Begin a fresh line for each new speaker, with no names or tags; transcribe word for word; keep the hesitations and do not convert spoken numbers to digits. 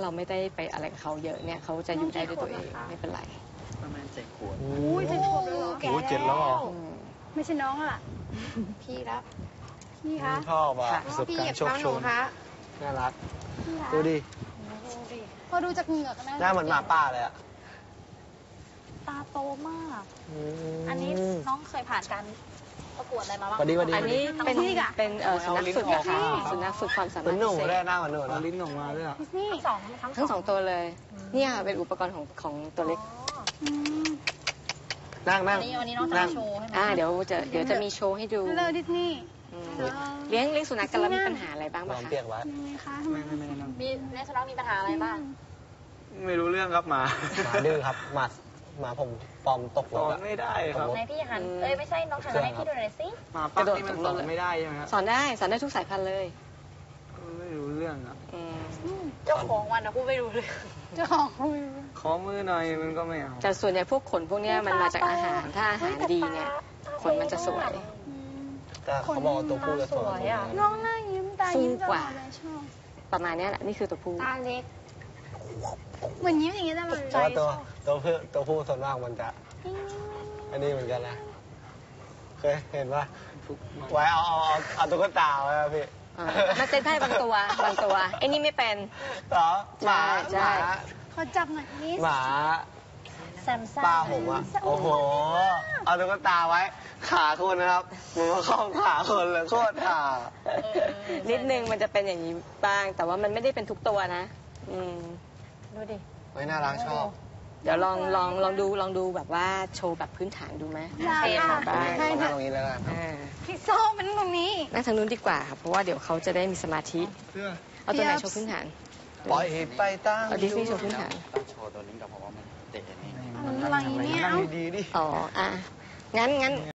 เราไม่ได้ไปอะไรกับเขาเยอะเนี่ยเขาจะอยู่ได้ด้วยตัวเองไม่เป็นไร
ประมาณเจ็ดขวบ
โอ้ยเจ็ดขวบเลยเหรอ
โอ้ยเจ็ดแล้วเหรอ
ไม่ใช่น้องอ่ะ
พี่แล้ว
พี่คะ
ชอบอ่ะประสบ
พี่
กา
เหยี
ร
ยบ
ณ์โชค
เท้าห
โช
นู
น
คะ
น่ารัก
พี่คะ
ดูดิ
พอดูจากเหงือกนะ
หน้าเหมือนหมาป่าเลยอ่ะ
ตาโตมาก
ม
อันนี้น้องเคยผ่านการประกวดอะไรมาบ้าง
พอดีพอดี
อันนี้เป็นเป็นเอ่อสุนัขฝึกอะค่ะ
อ๋อ
สุนัขฝึกความสา
เหมื
มา
อ
ร
น
ถ
หนู
พิเศ
ได้
ษ
หน้าเหมือนหนู
เอา
นะ
ลิ้นออกมาด้วยอ่ะ
นี่
ทั้งสองทั้ง
ทั้งสองตัวเลยเนี่ยเป็นอุปกรณ์ของของตัวเล็ก
อืม
นั่งนั่
อั
ง
นนี้วันนี้น้องจะ
นั่
มาง โชว์ให้ไหม
อ่าเดี๋ยวจะเดี๋ยวจะมีโชว์ให้ดู
ฮัลโหลดิสนีย์
อืมเลี้ยงเลี้ยงสุนัขกันแล้วมีปัญหาอะไรบ้าง
ล
บ้า
อง
คะ
เปียกไว้
ยังไงคะทำไม
ไม่ไม่ไม่นั่ง
มีในสุนัขมีปัญหาอะไรบ้าง
ไม่รู้เรื่องครับหมา
หมาดื้อครับหมาหมาผมปลอมตก
ส
ร
อ
ถ
น
อะ
ไม่ได้ครับ
ในพี่หัน เอ้ยไม่ใช่น้องหันมาให้พี่ดูหน่อยสิ
หมาปักนี่มันสอนไม่ได้ใช่ไหมครับ
สอนได้สอนได้ทุกสายพันธุ์เลย
ไม่รู้เรื่องอ่ะ
อืม
เจ้าของวันนะพูดไม่รู้เลย
เจ้าของเขาไม่รู้
ขอมือหน่อยมันก็ไม่เอา
แต่ส่วนใหญ่พวกขนพวกเนี้ยมันมาจากอาหารถ้าอาหารดีเนี่ยขนมันจะสวย
อืม
แต่เขาบอกว่าตัวผู้จะสวย
น้องหน้ายิ้มตายิ้มต
ฟูก
ลอ
ว่า
ดเลยชอบ
ประมาณเนี้ยแหละนี่คือตัวผู้
ตาเล็ก
เหมือนยิ้มอย่างเงี้ยตลอด
เพราะว่าตัวตัวผู้ตัวผู้ส่วนมากมันจะ
อืม
อันนี้เหมือนกันนะเคยเห็นปะ
ทุกมัน
ไว้เอาเอาเอาเอาตุ๊กตาไว้อะพี่
อ่ามันเป็นได้บางตัวบางตัวไอ้นี่ไม่เป็น
เหรอหมา
ใช่
หมา
ใช่
ขอจับหน่อยนิด
หมา
แซมซ่า
ป้าผมอะโอ้โห เอาตุ๊กตาไว้ ขาคนนะครับผมว่าเข้าขาคนเลยโคตรห่า
นิดนึงมันจะเป็นอย่างนี้บ้าง แต่ว่ามันไม่ได้เป็นทุกตัวนะ อืม
ดูดิ
ไว้น่ารักชอบ
เดี๋ยวลองลองลองดูลองดูแบบว่าโชว์แบบพื้นฐานดูไหม
ได้
เทป
ค่ะ
บ้าง
ให้
นั่
ค่ะ
งตรงนี้แล้วกัน
อ่า
พี่โซ่เป็นตรงนี้
นั่งทางนู้นดีกว่าค่ะเพราะว่าเดี๋ยวเขาจะได้มีสมาธิ
เพื่อ
เอาตัวไหนโชว์พื้นฐาน
ปล่อยไปตั้ง
เอาดิสนีย์โชว์พื้นฐาน
ต้องโชว์ตัวนี้กับเพราะว่ามันเตะนี่
อะไรเนี่ย
นั่ง
เอ้า
ดีๆดิ
อ๋ออ่ะงั้นงั้น